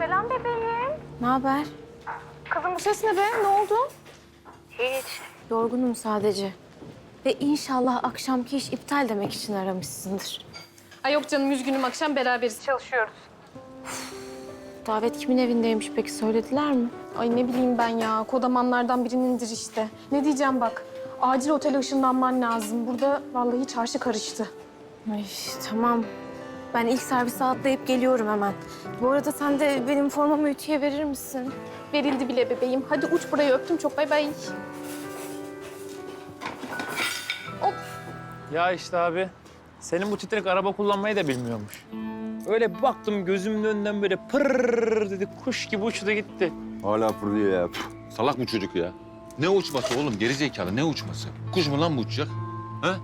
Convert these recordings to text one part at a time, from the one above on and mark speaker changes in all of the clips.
Speaker 1: Selam bebeğim.
Speaker 2: Ne haber?
Speaker 1: Kızım bu ses ne be? Ne oldu?
Speaker 2: Hiç. Yorgunum sadece. Ve inşallah akşamki iş iptal demek için aramışsındır.
Speaker 1: Ay yok canım, üzgünüm, akşam beraberiz. Çalışıyoruz.
Speaker 2: Davet kimin evindeymiş peki, söylediler mi?
Speaker 1: Ay ne bileyim ben ya. Kodamanlardan birinindir işte. Ne diyeceğim bak. Acil otele ışınlanman lazım. Burada vallahi çarşı karıştı.
Speaker 2: Ay tamam. Ben ilk servise atlayıp geliyorum hemen. Bu arada sen de benim formamı ütüye verir misin?
Speaker 1: Verildi bile bebeğim. Hadi uç burayı, öptüm çok, bay bay.
Speaker 3: Ya işte abi, senin bu titrek araba kullanmayı da bilmiyormuş. Öyle bir baktım gözümün önünden böyle pırrrr dedi, kuş gibi uçtu gitti.
Speaker 4: Hala fırlıyor ya. Salak bu çocuk ya. Ne uçması oğlum? Gerizekalı ne uçması? Kuş mu lan bu uçacak? Ha?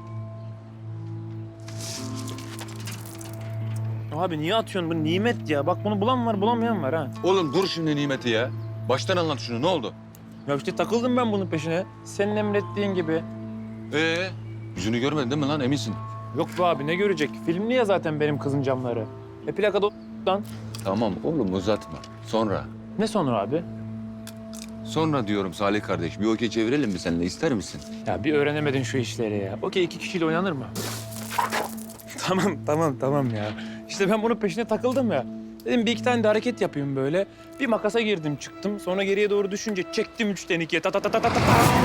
Speaker 3: Abi niye atıyorsun? Bu nimet ya. Bak bunu bulan var, bulamayan var ha.
Speaker 4: Oğlum dur şimdi nimeti ya. Baştan anlat şunu. Ne oldu?
Speaker 3: Ya işte takıldım ben bunun peşine. Senin emrettiğin gibi.
Speaker 4: Yüzünü görmedin değil mi lan? Eminsin.
Speaker 3: Yok be abi, ne görecek? Filmli ya zaten benim kızın camları. Plakada lan.
Speaker 4: Tamam oğlum uzatma. Sonra.
Speaker 3: Ne sonra abi?
Speaker 4: Sonra diyorum Salih kardeş. Bir okey çevirelim mi seninle? İster misin?
Speaker 3: Ya bir öğrenemedin şu işleri ya. Okey, 2 kişiyle oynanır mı? Tamam ya. İşte ben bunun peşine takıldım ya. Dedim bir iki tane de hareket yapayım böyle. Bir makasa girdim çıktım. Sonra geriye doğru düşünce çektim 3'ten 2'ye. Ta ta ta ta ta ta.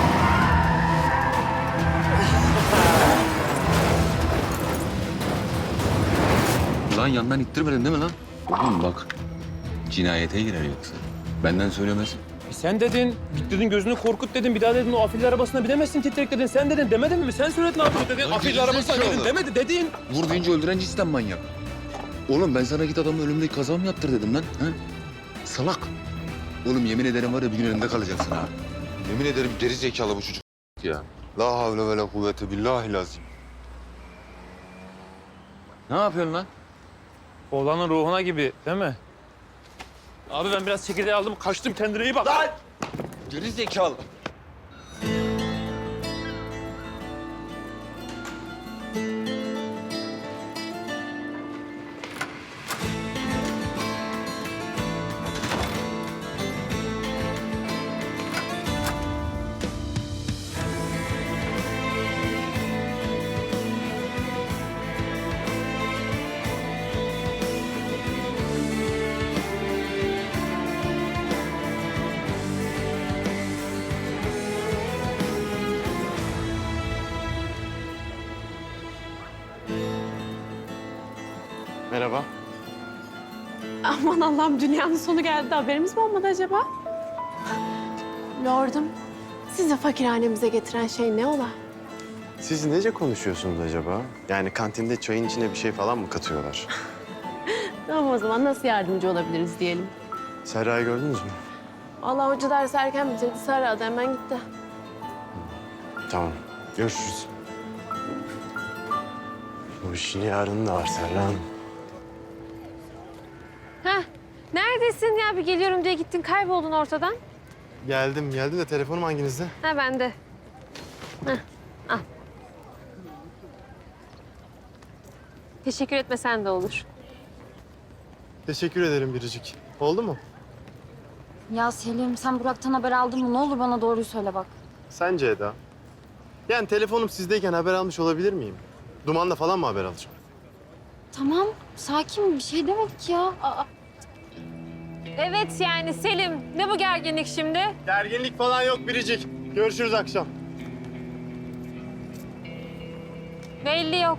Speaker 4: Lan yandan ittirmedin değil mi lan? Oğlum bak. Cinayete girer yoksa. Benden söylemesin.
Speaker 3: Sen dedin, git dedin gözünü korkut dedin. Bir daha dedin o afilli arabasına binemezsin titrek dedin. Sen dedin demedin mi? Sen söyledin abi dedin.
Speaker 4: Lan
Speaker 3: Afilli
Speaker 4: gerizekalı.
Speaker 3: arabasına dedin demedi dedin.
Speaker 4: Vur deyince öldüren cinsten manyak. Oğlum ben sana git adamın ölümdeki kaza mı yaptır dedim lan. Ha? Salak. Oğlum yemin ederim var ya bir gün elimde kalacaksın ha. Yemin ederim geri zekalı bu çocuk ya. La havle ve la kuvvete billahi lazım. Ne yapıyorsun lan?
Speaker 3: Oğlanın ruhuna gibi değil mi? Abi ben biraz çekirdeği aldım kaçtım, kendine iyi bak. Lan!
Speaker 4: Geri zekalı.
Speaker 5: Merhaba.
Speaker 1: Aman Allah'ım, dünyanın sonu geldi. Haberimiz mi olmadı acaba? Lordum, sizi fakirhanemize getiren şey ne ola?
Speaker 5: Siz nece konuşuyorsunuz acaba? Yani kantinde çayın içine bir şey falan mı katıyorlar?
Speaker 1: Tamam, o zaman nasıl yardımcı olabiliriz diyelim.
Speaker 5: Serra'yı gördünüz mü?
Speaker 1: Allah hoca dersi erken bitirdi. Sarı da hemen gitti.
Speaker 5: Tamam. Görüşürüz. Bu işin yarını da var Serra Hanım.
Speaker 1: Heh, neredesin ya? Bir geliyorum diye gittin, kayboldun ortadan.
Speaker 5: Geldim de telefonum hanginizde?
Speaker 1: Ha, bende. Heh, al. Teşekkür etmesen de olur.
Speaker 5: Teşekkür ederim Biricik. Oldu mu?
Speaker 6: Ya Selim, sen Burak'tan haber aldın mı? Ne olur bana doğruyu söyle bak.
Speaker 5: Sence Eda? Yani telefonum sizdeyken haber almış olabilir miyim? Dumanla falan mı haber alacağım?
Speaker 6: Tamam, sakin bir şey demedik ya.
Speaker 1: Evet yani Selim, ne bu gerginlik şimdi?
Speaker 5: Gerginlik falan yok Biricik. Görüşürüz akşam.
Speaker 1: Belli yok.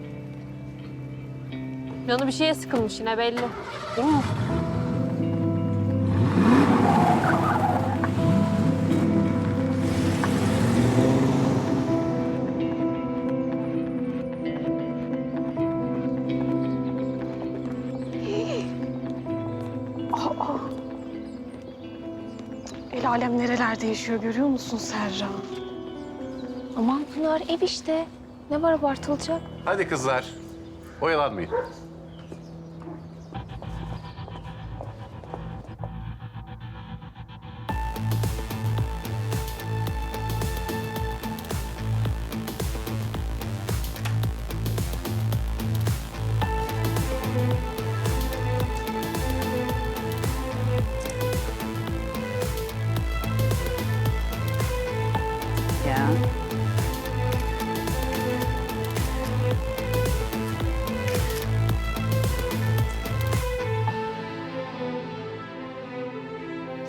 Speaker 1: Canı bir şeye sıkılmış yine belli. Değil mi? El alem nerelerde yaşıyor görüyor musun Serra?
Speaker 6: Aman Pınar, ev işte. Ne var abartılacak?
Speaker 7: Hadi kızlar, oyalanmayın.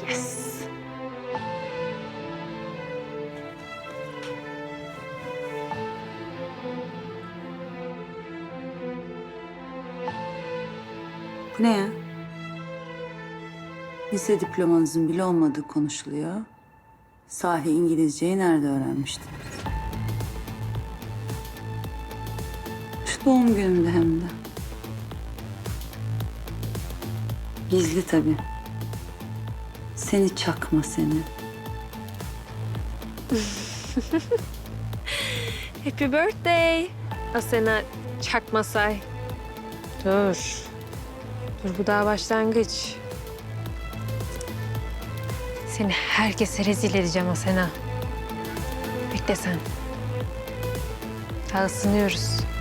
Speaker 2: Yes.
Speaker 8: Bu ne ya? Lise diplomanızın bile olmadığı konuşuluyor. Sahi İngilizceyi nerede öğrenmiştiniz? Şu doğum günümde hem de. Gizli tabii. Seni çakma seni.
Speaker 2: Happy birthday. Asena Çakmasay. Dur. Dur, bu daha başlangıç. Seni herkese rezil edeceğim Asena. Bekle sen. Daha ısınıyoruz.